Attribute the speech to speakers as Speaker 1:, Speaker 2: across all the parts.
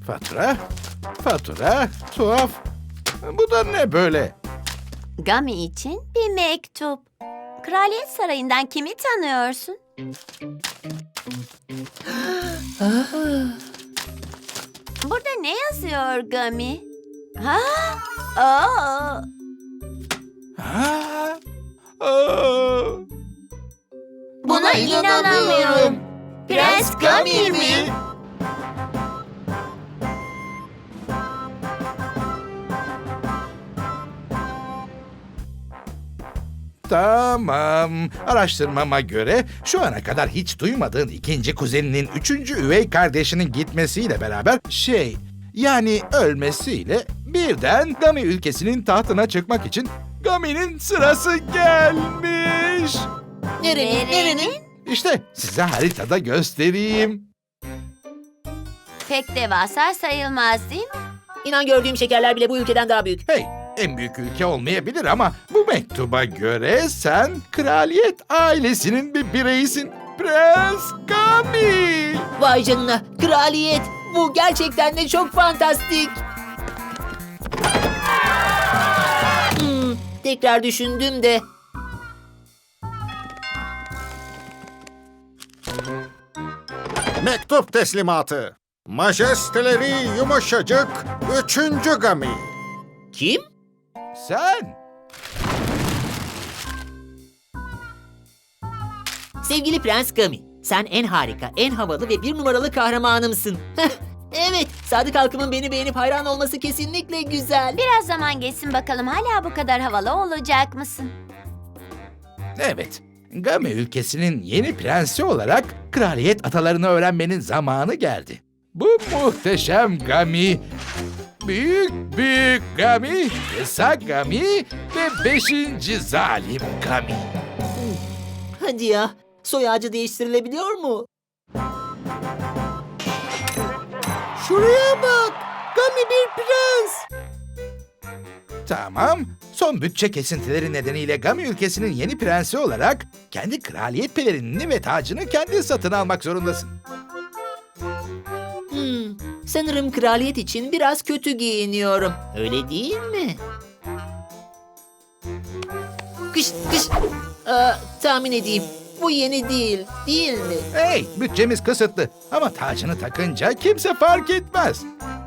Speaker 1: Fatura, tuhaf. Bu da ne böyle?
Speaker 2: Gummy için bir mektup. Kraliyet Sarayı'ndan kimi tanıyorsun? Burada ne yazıyor Gummy? Ha? Aa!
Speaker 1: Ha? Aa!
Speaker 2: Buna inanamıyorum. Prens Gummy mi?
Speaker 1: Tamam. Araştırmama göre şu ana kadar hiç duymadığın ikinci kuzeninin üçüncü üvey kardeşinin gitmesiyle beraber yani ölmesiyle birden Gami ülkesinin tahtına çıkmak için Gami'nin sırası gelmiş.
Speaker 2: Nerenin?
Speaker 1: İşte size haritada göstereyim.
Speaker 2: Pek devasa sayılmaz değil mi?
Speaker 3: İnan gördüğüm şekerler bile bu ülkeden daha büyük.
Speaker 1: Hey, en büyük ülke olmayabilir ama bu mektuba göre sen kraliyet ailesinin bir bireyisin. Prens Gami.
Speaker 3: Vay canına, kraliyet. Bu gerçekten de çok fantastik. Tekrar düşündüm de.
Speaker 4: Mektup teslimatı. Majesteleri yumuşacık 3. Gami.
Speaker 3: Kim?
Speaker 1: Sen.
Speaker 3: Sevgili Prens Gami. Sen en harika, en havalı ve bir numaralı kahramanımsın. Evet, Sadık halkımın beni beğenip hayran olması kesinlikle güzel.
Speaker 2: Biraz zaman geçsin bakalım hala bu kadar havalı olacak mısın?
Speaker 1: Evet, Gami ülkesinin yeni prensi olarak kraliyet atalarını öğrenmenin zamanı geldi. Bu muhteşem Gami, büyük Gami, kısa Gami ve 5. zalim Gami.
Speaker 3: Hadi ya, soy ağacı değiştirilebiliyor mu?
Speaker 5: Şuraya bak. Gami bir prens.
Speaker 1: Tamam, son bütçe kesintileri nedeniyle Gami ülkesinin yeni prensi olarak kendi kraliyet pelerinini ve tacını kendi satın almak zorundasın.
Speaker 3: Sanırım kraliyet için biraz kötü giyiniyorum. Öyle değil mi? Kış. Tahmin edeyim. Bu yeni değil, değil mi?
Speaker 1: Hey, bütçemiz kısıtlı ama tacını takınca kimse fark etmez.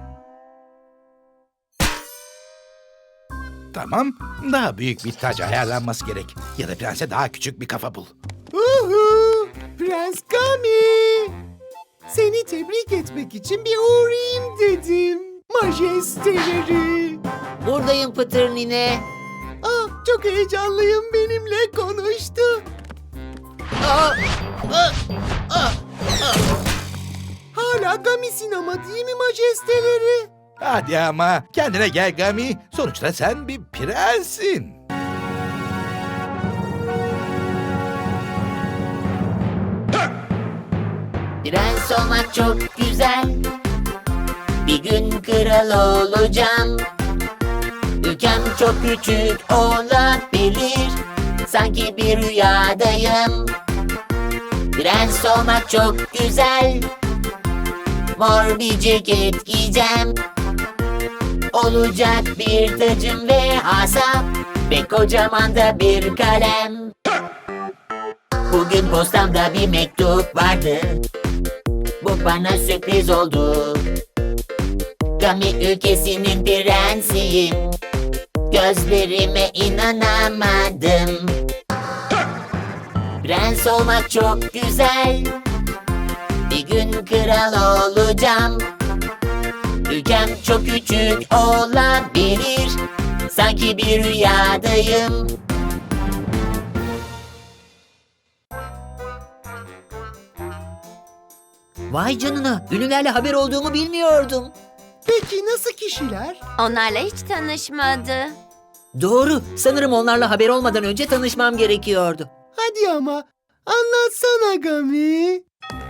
Speaker 1: Tamam, daha büyük bir tac ayarlanması gerek. Ya da prense daha küçük bir kafa bul.
Speaker 5: Uhu, Prens Gami. Seni tebrik etmek için bir uğrayayım dedim. Majesteleri.
Speaker 3: Buradayım Pıtır nine.
Speaker 5: Çok heyecanlıyım, benimle konuştu. Hala Gami'sin ama değil mi majesteleri?
Speaker 1: Hadi ama kendine gel Gami. Sonuçta sen bir prenssin.
Speaker 6: Prens olmak çok güzel. Bir gün kral olacağım. Ülkem çok küçük olabilir. Sanki bir rüyadayım. Prens olmak çok güzel. Mor bir ceket giyeceğim. Olacak bir tacım ve asa. Ve kocaman da bir kalem. Bugün postamda bir mektup vardı. Bu bana sürpriz oldu. Gami ülkesinin prensiyim. Gözlerime inanamadım. Prens olmak çok güzel. Bir gün kral olacağım. Ülkem çok küçük olabilir. Sanki bir rüyadayım.
Speaker 3: Vay canına, ünlülerle haber olduğumu bilmiyordum.
Speaker 5: Peki nasıl kişiler?
Speaker 2: Onlarla hiç tanışmadı.
Speaker 3: Doğru, sanırım onlarla haber olmadan önce tanışmam gerekiyordu.
Speaker 5: Hadi ama anlatsana Gami.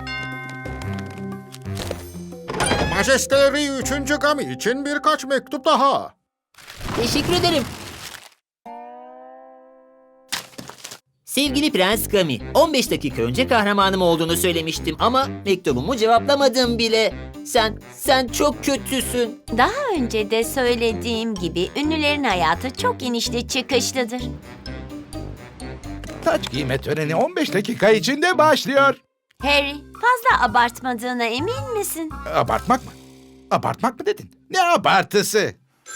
Speaker 4: Majesteleri 3. Gami için birkaç mektup daha.
Speaker 3: Teşekkür ederim. Sevgili Prens Gami, 15 dakika önce kahramanım olduğunu söylemiştim ama mektubumu cevaplamadın bile. Sen çok kötüsün.
Speaker 2: Daha önce de söylediğim gibi ünlülerin hayatı çok inişli çıkışlıdır.
Speaker 1: Taç giyme töreni 15 dakika içinde başlıyor.
Speaker 2: Harry, fazla abartmadığına emin misin?
Speaker 1: Abartmak mı? Abartmak mı dedin? Ne abartısı?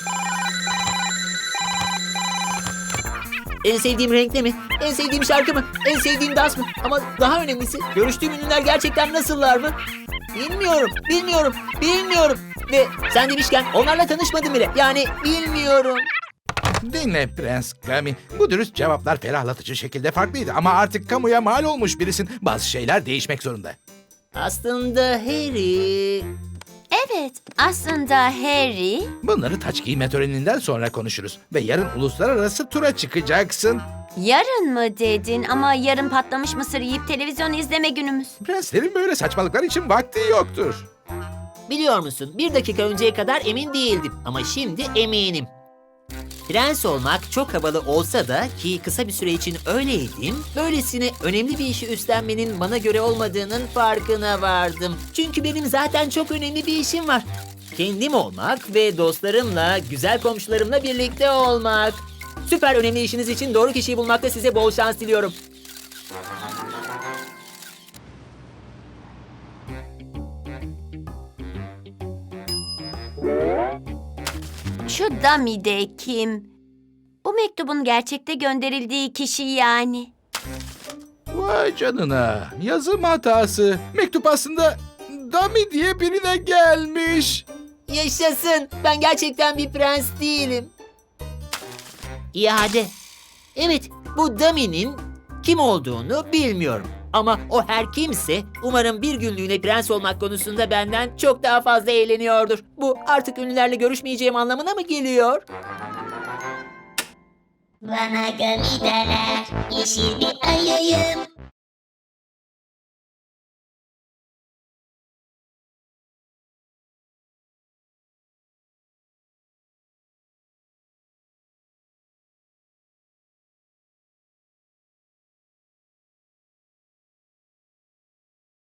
Speaker 3: En sevdiğim renk ne mi? En sevdiğim şarkı mı? En sevdiğim dans mı? Ama daha önemlisi, görüştüğüm ünlüler gerçekten nasıllar mı? Bilmiyorum. Ve sen demişken onlarla tanışmadım bile. Yani bilmiyorum.
Speaker 1: Dinle Prens Gami. Bu dürüst cevaplar ferahlatıcı şekilde farklıydı ama artık kamuya mal olmuş birisin. Bazı şeyler değişmek zorunda.
Speaker 3: Aslında Harry...
Speaker 2: Evet, aslında Harry...
Speaker 1: Bunları taç giyme töreninden sonra konuşuruz. Ve yarın uluslararası tura çıkacaksın.
Speaker 2: Yarın mı dedin ama yarın patlamış mısır yiyip televizyon izleme günümüz.
Speaker 1: Prenslerin böyle saçmalıklar için vakti yoktur.
Speaker 3: Biliyor musun, 1 dakika önceye kadar emin değildim ama şimdi eminim. Prens olmak çok havalı olsa da ki kısa bir süre için öyleydim, böylesine önemli bir işi üstlenmenin bana göre olmadığının farkına vardım. Çünkü benim zaten çok önemli bir işim var. Kendim olmak ve dostlarımla, güzel komşularımla birlikte olmak. Süper önemli işiniz için doğru kişiyi bulmakta size bol şans diliyorum.
Speaker 2: Şu dummy de kim? Bu mektubun gerçekte gönderildiği kişi yani.
Speaker 1: Vay canına. Yazım hatası. Mektup aslında Dami diye birine gelmiş.
Speaker 3: Yaşasın. Ben gerçekten bir prens değilim. İade. Evet, bu Dummy'nin kim olduğunu bilmiyorum. Ama o her kimse umarım bir günlüğüne prens olmak konusunda benden çok daha fazla eğleniyordur. Bu artık ünlülerle görüşmeyeceğim anlamına mı geliyor?
Speaker 6: Bana Gami derler, yeşil bir ayıyım.